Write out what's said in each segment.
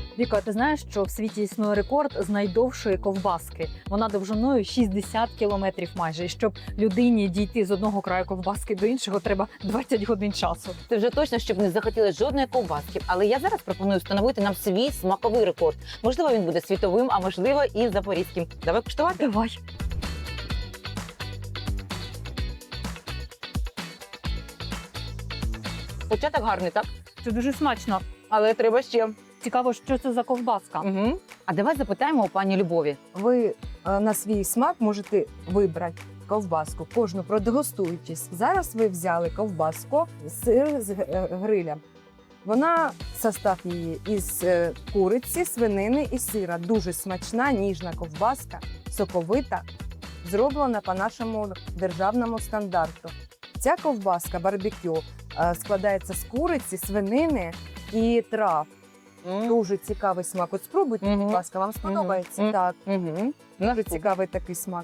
Віка, ти знаєш, що в світі існує рекорд з найдовшої ковбаски? Вона довжиною 60 кілометрів майже. І щоб людині дійти з одного краю ковбаски до іншого, треба 20 годин часу. Це вже точно, щоб не захотіли жодної ковбаски. Але я зараз пропоную встановити нам свій смаковий рекорд. Можливо, він буде світовим, а можливо і запорізьким. Давай куштувати. Давай. Початок гарний, так? Це дуже смачно. Але треба ще. Цікаво, що це за ковбаска. Угу. А давай запитаємо у пані Любові. Ви на свій смак можете вибрати ковбаску, кожну продегустуючись. Зараз ви взяли ковбаску, сир з гриля. Вона, состав її із куриці, свинини і сира. Дуже смачна, ніжна ковбаска, соковита, зроблена по нашому державному стандарту. Ця ковбаска барбекю складається з куриці, свинини і трав. Дуже цікавий смак. От спробуйте, будь ласка, вам сподобається? Мгм. Так, Угу. дуже цікавий такий смак.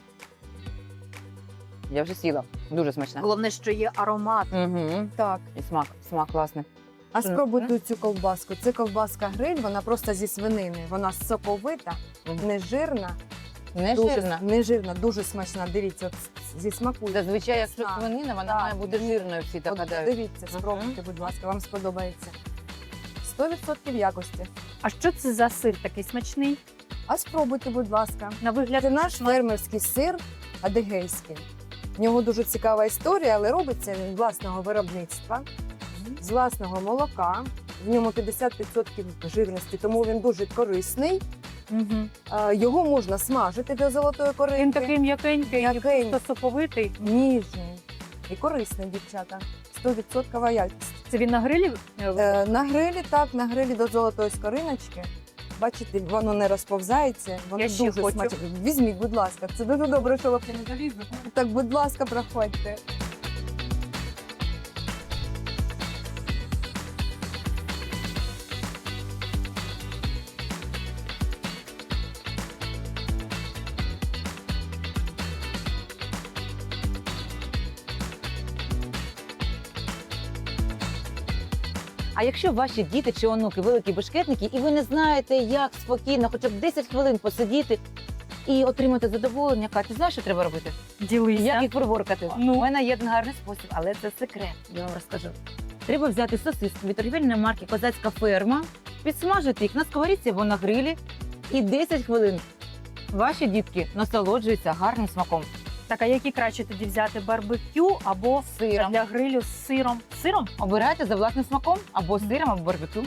Я вже сіла. Дуже смачна. Головне, що є аромат. Угу. Так. І смак класний. А Що, спробуйте цю ковбаску. Це ковбаска гриль, вона просто зі свинини. Вона соковита, Мгм. нежирна. Не Дуже, жирна. нежирна, дуже смачна. Дивіться, от зі смаку. Зазвичай, якщо Так, свинина, вона так. має бути жирною, всі так От гадають. дивіться, Мгм. спробуйте, будь ласка, вам сподобається. 100% якості. А що це за сир такий смачний? А спробуйте, будь ласка. На вигляд Це наш фермерський сир адигейський. В нього дуже цікава історія, але робиться він власного виробництва, з власного молока. В ньому 50% жирності, тому він дуже корисний. Угу. Його можна смажити до золотої Він коринки. такий м'якенький, М'якенький. та соковитий. Ніжний і корисний, дівчата. 100% якість. Це він на грилі? На грилі, так, на грилі до золотої скориночки. Бачите, воно не розповзається, воно Я ще дуже хочу. смачне. Візьміть, будь ласка, це дуже добре, що ви не залізли. Так, будь ласка, проходьте. А якщо ваші діти чи онуки великі бешкетники, і ви не знаєте, як спокійно, хоча б 10 хвилин посидіти і отримати задоволення, Катя, знаєш, що треба робити? Ділися. Як їх приборкати? Ну. У мене є один гарний спосіб, але це секрет, я вам розкажу. Треба взяти сосиски від торгівельної марки «Козацька ферма», підсмажити їх на сковорідці або на грилі, і 10 хвилин ваші дітки насолоджуються гарним смаком. Так, а які краще тоді взяти барбекю або Сиром. для грилю з сиром? З сиром? Обирайте за власним смаком або сиром, або барбекю.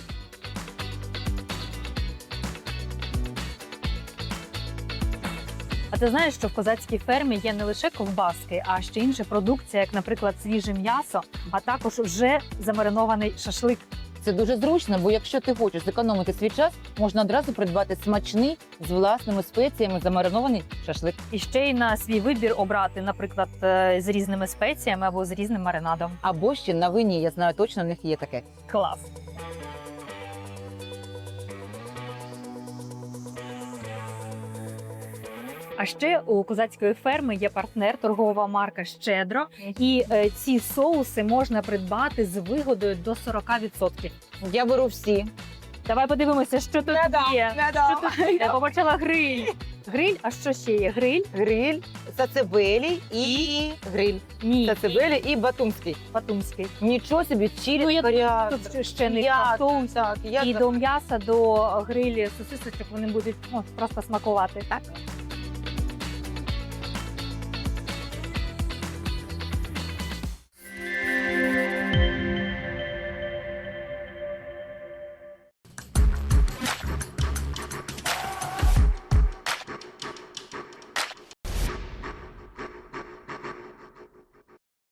А ти знаєш, що в козацькій фермі є не лише ковбаски, а ще інша продукція, як, наприклад, свіже м'ясо, а також вже замаринований шашлик. Це дуже зручно, бо якщо ти хочеш зекономити свій час, можна одразу придбати смачний з власними спеціями замаринований шашлик. І ще й на свій вибір обрати, наприклад, з різними спеціями або з різним маринадом. Або ще на вині, я знаю точно, у них є таке. Клас! А ще у козацької ферми є партнер, торгова марка «Щедро». І ці соуси можна придбати з вигодою до 40%. Я беру всі. Давай подивимося, що тут є. Що тут? Я побачила гриль. Гриль, а що ще є? Гриль? Гриль, сацебелі і гриль. Ні, Сацебелі і батумський. батумський. Нічого собі, чилі, Ну, я коріандр. Тут ще не Я- соус. Так, я І до м'яса, до грилі сосисочок вони будуть просто смакувати, так?